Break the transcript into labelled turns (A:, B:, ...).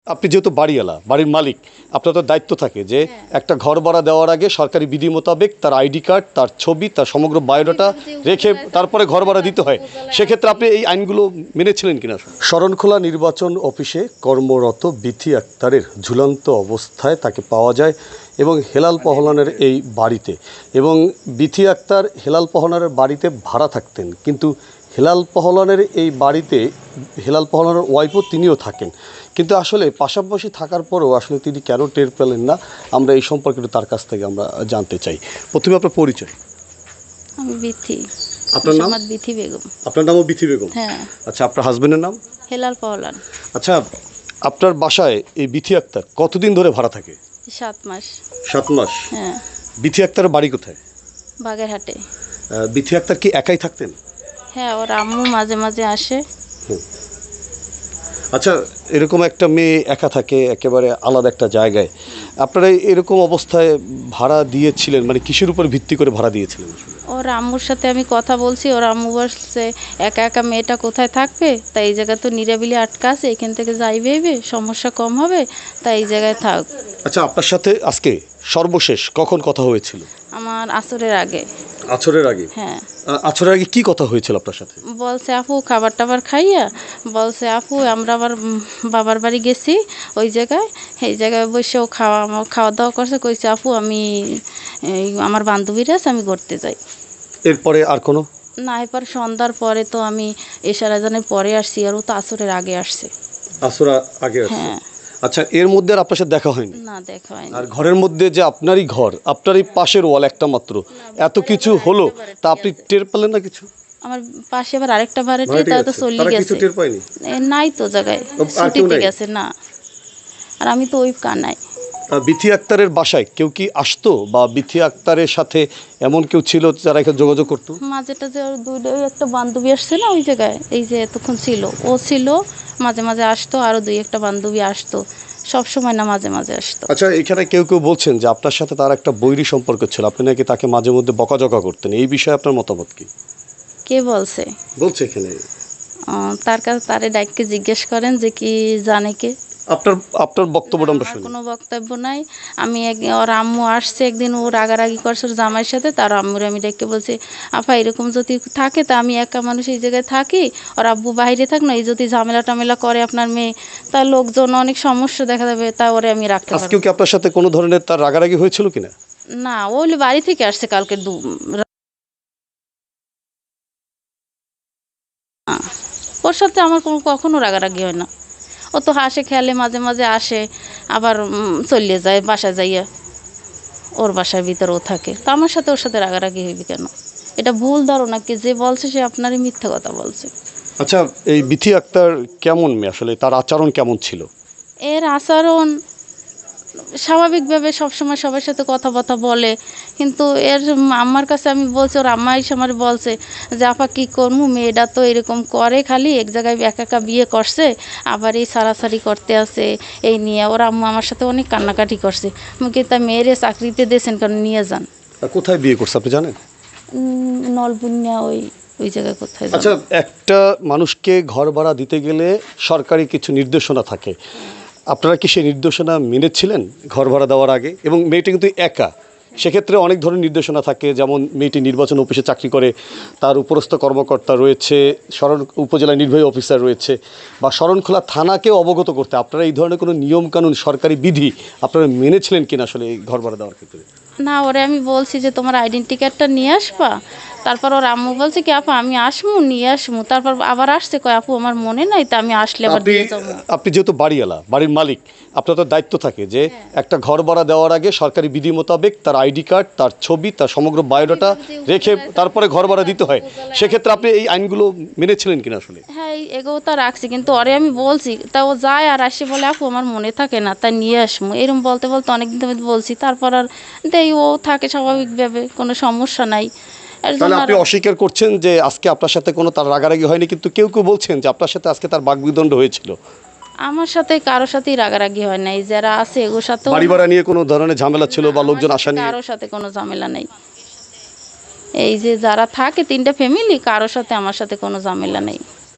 A: আপনি যেহেতু বাড়িওয়ালা, বাড়ির মালিক, আপনার তো দায়িত্ব থাকে যে একটা ঘর ভাড়া দেওয়ার আগে সরকারি বিধি মোতাবেক তার আইডি কার্ড, তার ছবি, তার সমগ্র বায়োডাটা রেখে তারপরে ঘর ভাড়া দিতে হয়। সেক্ষেত্রে আপনি এই আইনগুলো মেনেছিলেন কিনা? শরণখোলা নির্বাচন অফিসে কর্মরত বিথি আক্তারের ঝুলন্ত অবস্থায় তাকে পাওয়া যায় এবং হেলাল পহলানের এই বাড়িতে, এবং বিথি আক্তার হেলাল পহলানের বাড়িতে ভাড়া থাকতেন, কিন্তু হেলাল পহলানের এই বাড়িতে হেলাল পহলানের ওয়াইফও তিনিও থাকেন, কিন্তু আসলে পাশাপাশি থাকার পরেও আসলে তিনি কেন টের পেলেন না, আমরা এই সম্পর্কে তার কাছ থেকে আমরা জানতে চাই। প্রথমে আপনার পরিচয়।
B: আমি বিথি।
A: আপনার নাম?
B: বিথি বেগম।
A: আপনার নামও বিথি বেগম?
B: হ্যাঁ।
A: আচ্ছা, আপনার হাজবেন্ডের নাম?
B: হেলাল পহলান।
A: আচ্ছা, আপনার বাসায় এই বিথি আক্তার কতদিন ধরে ভাড়া থাকে?
B: 7 মাস।
A: 7 মাস?
B: হ্যাঁ।
A: বিথি আক্তারের বাড়ি কোথায়?
B: বাগেরহাটে।
A: বিথি আক্তার কি একাই থাকতেন?
B: হ্যাঁ, ওর আম্মু মাঝে মাঝে আসে।
A: আচ্ছা, এরকম একটা মেয়ে একা থাকে একেবারে আলাদা একটা জায়গায়, আপনারা এরকম অবস্থায় ভাড়া দিয়েছিলেন মানে কিসের উপর ভিত্তি করে ভাড়া দিয়েছিলেন?
B: ওর আম্মুর সাথে আমি কথা বলছি, ওর আম্মু বলছে একা একা মেয়েটা কোথায় থাকবে, তাই এই জায়গায় তো নিরাবিলি আটকা আছে, এখান থেকে যাইবে সমস্যা কম হবে, তাই এই জায়গায় থাক।
A: আচ্ছা, আপনার সাথে আজকে সর্বশেষ কখন কথা হয়েছিল?
B: আমার আসরের আগে।
A: আছরের আগে?
B: হ্যাঁ।
A: আছরের আগে কি কথা হয়েছিল আপনার সাথে?
B: বলছে আপু খাবার টাবার খাইয়া, বলছে আপু আমরা আবার বাবার বাড়ি গেছি, ওই জায়গায় এই জায়গায় বসেও খাওয়া দাওয়া করছে, কইছে আপু আমি আমার বান্ধবীরা আছে, আমি ঘুরতে যাই।
A: এরপরে আর কোনো?
B: না, এরপর সন্ধ্যার পরে তো আমি এশার আজানের পরে আসছি, আর ও তো আসরের আগে আসছে।
A: আসরা আগে আসছে?
B: হ্যাঁ।
A: আচ্ছা, এর মধ্যে আর আপনার সাথে দেখা হয়নি?
B: না, দেখা হয়নি।
A: আর ঘরের মধ্যে যে আপনারই ঘর, আপনারই পাশের ওয়াল একটা মাত্র, এত কিছু হলো, তা আপনি টের পেলেন না কিছু?
B: আমার পাশে আবার আরেকটা ভাড়াটে, তারা তো চলে গেছে।
A: টের পায়নি?
B: নাই তো জায়গায়, ছুটিতে গেছে। না, আর আমি তো ওই কানাই।
A: বিথি আক্তারের বাসায় কেউ কি আসতো, বা বিথি আক্তারের সাথে এমন কেউ ছিল যারা এখানে যোগাযোগ করতো?
B: মাঝেটা যে ওর ওই একটা বান্ধবী আসছে না ওই জায়গায়, এই যে এতক্ষণ ছিল ও ছিল, মাঝে মাঝে আসতো, আরও 2-1টা বান্ধবী আসতো, সব সময় না, মাঝে মাঝে আসতো।
A: আচ্ছা, এখানে কেউ কেউ বলছেন যে আপনার সাথে তার একটা বৈরী সম্পর্ক ছিল, আপনি নাকি তাকে মাঝে মধ্যে বকাঝকা করতেন, এই বিষয়ে আপনার মতামত কি?
B: কে বলছে?
A: বলছে এখানে।
B: তার কাছে তারে ডাইককে জিজ্ঞেস করেন যে কি জানে কে।
A: আপনার আপনার বক্তব্যটা আমরা
B: আমার
A: শুনি।
B: কোনো বক্তব্য নাই। আমি ওর আম্মু আসছে একদিন, ও রাগারাগি করছে ওর জামাইয়ের সাথে, তার আম্মুর আমি ডেকে বলছি আপা এরকম যদি থাকে তা আমি একা মানুষ এই জায়গায় থাকি, ওর আব্বু বাইরে থাক না, এই যদি ঝামেলা টামেলা করে আপনার মেয়ে, তার লোকজন অনেক সমস্যা দেখা যাবে, তা ওরে আমি রাখতে পারবো।
A: আজকেও কি আপনার সাথে কোনো ধরনের তার রাগারাগি হয়েছিল কিনা?
B: না, ও হলো বাড়ি থেকে আসছে কালকে ওর সাথে আমার কখনো রাগারাগি হয় না। ও তো হাসে খেলে, মাঝে মাঝে আসে, আবার চলে যায় বাসায় যাইয়া, ওর বাসার ভিতরে ও থাকে, তো আমার সাথে ওর সাথে রাগারাগি হইবে কেন? এটা ভুল ধারণা, কি যে বলছে সে আপনারই মিথ্যা কথা বলছে।
A: আচ্ছা, এই বিথি আক্তার কেমন মেয়ে আসলে, তার আচরণ কেমন ছিল?
B: এর আচরণ স্বাভাবিকভাবে সবসময় সবার সাথে কথাবার্তা বলে, কিন্তু এর আম্মার কাছে আমি বলছি, ওর আম্মা এসে আমার বলছে যে আপা কী করবো, মেয়েটা তো এরকম করে, খালি এক জায়গায় একা একা বিয়ে করছে, আবার এই সারাসারি করতে আছে, এই নিয়ে ওর আম্মা আমার সাথে অনেক কান্নাকাটি করছে। মুখে তা মেয়েরে চাকরিতে দিয়েছেন, কারণ নিয়ে যান।
A: কোথায় বিয়ে করছে আপনি জানেন?
B: নলবুনিয়া ওই ওই জায়গায় কোথায়।
A: আচ্ছা, একটা মানুষকে ঘর ভাড়া দিতে গেলে সরকারি কিছু নির্দেশনা থাকে, আপনারা কি সেই নির্দেশনা মেনেছিলেন ঘর ভাড়া দেওয়ার আগে? এবং মেয়েটি কিন্তু একা, সেক্ষেত্রে অনেক ধরনের নির্দেশনা থাকে, যেমন মেয়েটি নির্বাচন অফিসে চাকরি করে, তার উপরস্থ কর্মকর্তা রয়েছে, উপজেলা নির্বাহী অফিসার রয়েছে, বা শরণখোলা থানাকেও অবগত করতে, আপনারা এই ধরনের কোনো নিয়মকানুন সরকারি বিধি আপনারা মেনেছিলেন কিনা আসলে এই ঘর ভাড়া দেওয়ার ক্ষেত্রে?
B: না, ওরে আমি বলছি যে তোমার আইডেন্টি কার্ডটা নিয়ে আসবা, তারপর ওর আম্মু বলছে কি আপু আমি আসমু, নিয়ে আসমু, তারপর আবার আসছে কয় আপু আমার মনে নাই, তা আমি আসলে আবার দিয়ে যাবো।
A: আপনি যেহেতু বাড়িওয়ালা, বাড়ির মালিক, আপনার তো দায়িত্ব থাকে যে একটা ঘর ভাড়া দেওয়ার আগে সরকারি বিধি মোতাবেক তার আইডি কার্ড, তার ছবি, তার সমগ্র বায়োডাটা রেখে তারপরে ঘর ভাড়া দিতে হয়। সেক্ষেত্রে আপনি এই আইনগুলো মেনেছিলেন কিনা আসলে?
B: হ্যাঁ, এগো তা রাখছি, কিন্তু ওরে আমি বলছি, তা ও যায় আর আসে বলে আপু আমার মনে থাকে না, তা নিয়ে আসমু, এরকম বলতে বলতে অনেকদিন ধরে বলছি, তারপর আর দেই ও থাকে স্বাভাবিকভাবে, কোনো সমস্যা নাই।
A: তাহলে আপনি অস্বীকার করছেন যে আজকে আপনার সাথে কোনো তার রাগারাগি হয়নি, কিন্তু কেউ কেউ বলছেন যে আপনার সাথে আজকে তার বাকবিতণ্ড হয়েছিল?
B: আমার সাথে কারোর সাথেই রাগারাগি হয় নাই, যারা আছে এগুলোর সাথে
A: বাড়ি ভাড়া নিয়ে কোনো ধরনের ঝামেলা ছিল বা লোকজন আসা নিয়ে?
B: কারোর সাথে কোনো ঝামেলা নেই। এই যে যারা থাকে 3টা ফ্যামিলি, কারোর সাথে আমার সাথে কোনো ঝামেলা নেই।